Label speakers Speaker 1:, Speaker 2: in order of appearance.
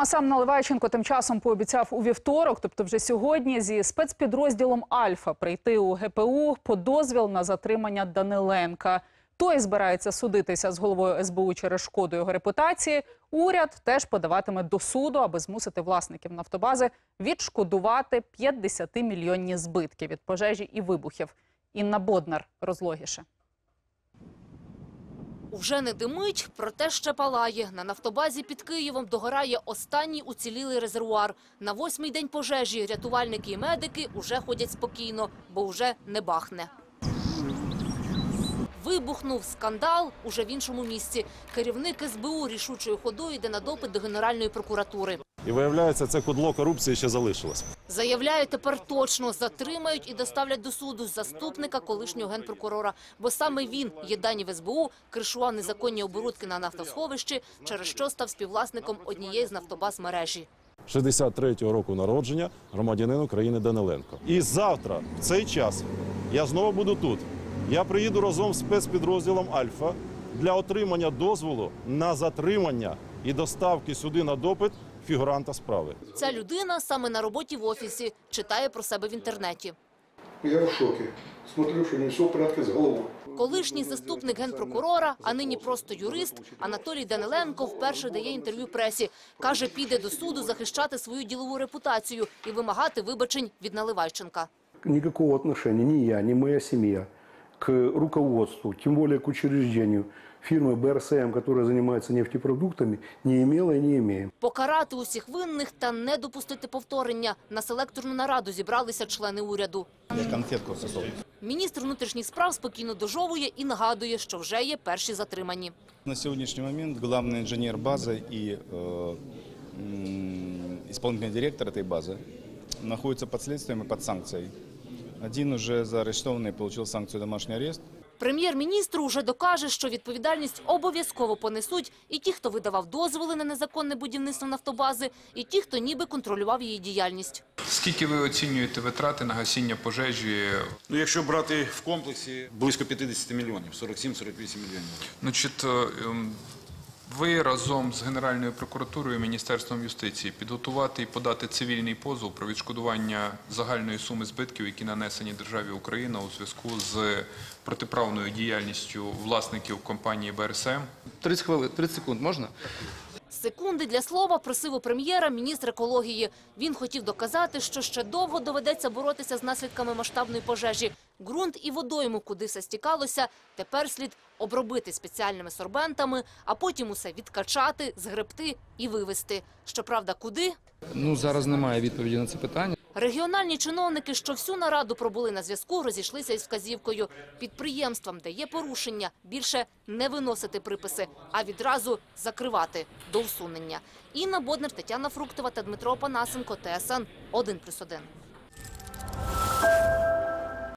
Speaker 1: А сам Наливайченко тим часом пообіцяв у вівторок, тобто вже сьогодні, зі спецпідрозділом «Альфа» прийти у ГПУ по дозвіл на затримання Даниленка. Той збирається судитися з головою СБУ через шкоду його репутації. Уряд теж подаватиме до суду, аби змусити власників нафтобази відшкодувати 50-мільйонні збитки від пожежі і вибухів. Інна Боднар розлогіше.
Speaker 2: Уже не димить, проте ще палає. На нафтобазі під Києвом догорає останній уцілілий резервуар. На 8-й день пожежі рятувальники і медики уже ходять спокійно, бо вже не бахне. Вибухнув скандал уже в іншому місці. Керівник СБУ рішучою ходою йде на допит до Генеральної прокуратури.
Speaker 3: І виявляється, це кудло корупції ще залишилось.
Speaker 2: Заявляє, тепер точно затримають і доставлять до суду заступника колишнього генпрокурора. Бо саме він, є дані в СБУ, кришував незаконні оборудки на нафтосховищі, через що став співвласником однієї з нафтобаз мережі.
Speaker 3: 63-го року народження громадянин України Даниленко. І завтра, в цей час, я знову буду тут. Я приїду разом з спецпідрозділом «Альфа» для отримання дозволу на затримання і доставки сюди на допит фігуранта справи.
Speaker 2: Ця людина саме на роботі в офісі, читає про себе в інтернеті.
Speaker 4: Я в шокі. Смотрю, що не все в порядку з головою.
Speaker 2: Колишній заступник генпрокурора, а нині просто юрист, Анатолій Даниленко вперше дає інтерв'ю пресі. Каже, піде до суду захищати свою ділову репутацію і вимагати вибачень від Наливайченка.
Speaker 4: Никакого отношения ни я, ни моя семья к руководству, тем более к учреждению фирмы БРСМ, которая занимается нефтепродуктами, не имела и не имеем.
Speaker 2: Покарати усіх винних та не допустити повторення. На селекторну нараду зібралися члени уряду. Міністр внутрішніх справ спокійно дожовує і нагадує, що вже є перші затримані.
Speaker 5: На сьогоднішній момент головний інженер бази і виконавчий директор цієї бази знаходяться під слідством і під санкцією. Один уже заарештований, отримав санкцію домашній арешт.
Speaker 2: Прем'єр-міністр уже докаже, що відповідальність обов'язково понесуть і ті, хто видавав дозволи на незаконне будівництво нафтобази, і ті, хто ніби контролював її діяльність.
Speaker 6: Скільки ви оцінюєте витрати на гасіння пожежі?
Speaker 7: Якщо брати в комплексі, близько 50 мільйонів, 47-48 мільйонів.
Speaker 6: Ви разом з Генеральною прокуратурою і Міністерством юстиції підготувати і подати цивільний позов про відшкодування загальної суми збитків, які нанесені державі Україна у зв'язку з протиправною діяльністю власників компанії БРСМ?
Speaker 8: 30 секунд можна?
Speaker 2: Секунди для слова просив у прем'єра міністр екології. Він хотів доказати, що ще довго доведеться боротися з наслідками масштабної пожежі. Ґрунт і водойму, куди все стікалося, тепер слід обробити спеціальними сорбентами, а потім усе відкачати, згребти і вивезти. Щоправда, куди?
Speaker 8: Зараз немає відповіді на це питання.
Speaker 2: Регіональні чиновники, що всю нараду пробули на зв'язку, розійшлися із вказівкою. Підприємствам, де є порушення, більше не виносити приписи, а відразу закривати до усунення. Інна Боднар, Тетяна Фруктова та Дмитро Опанасенко, ТСН 1+1.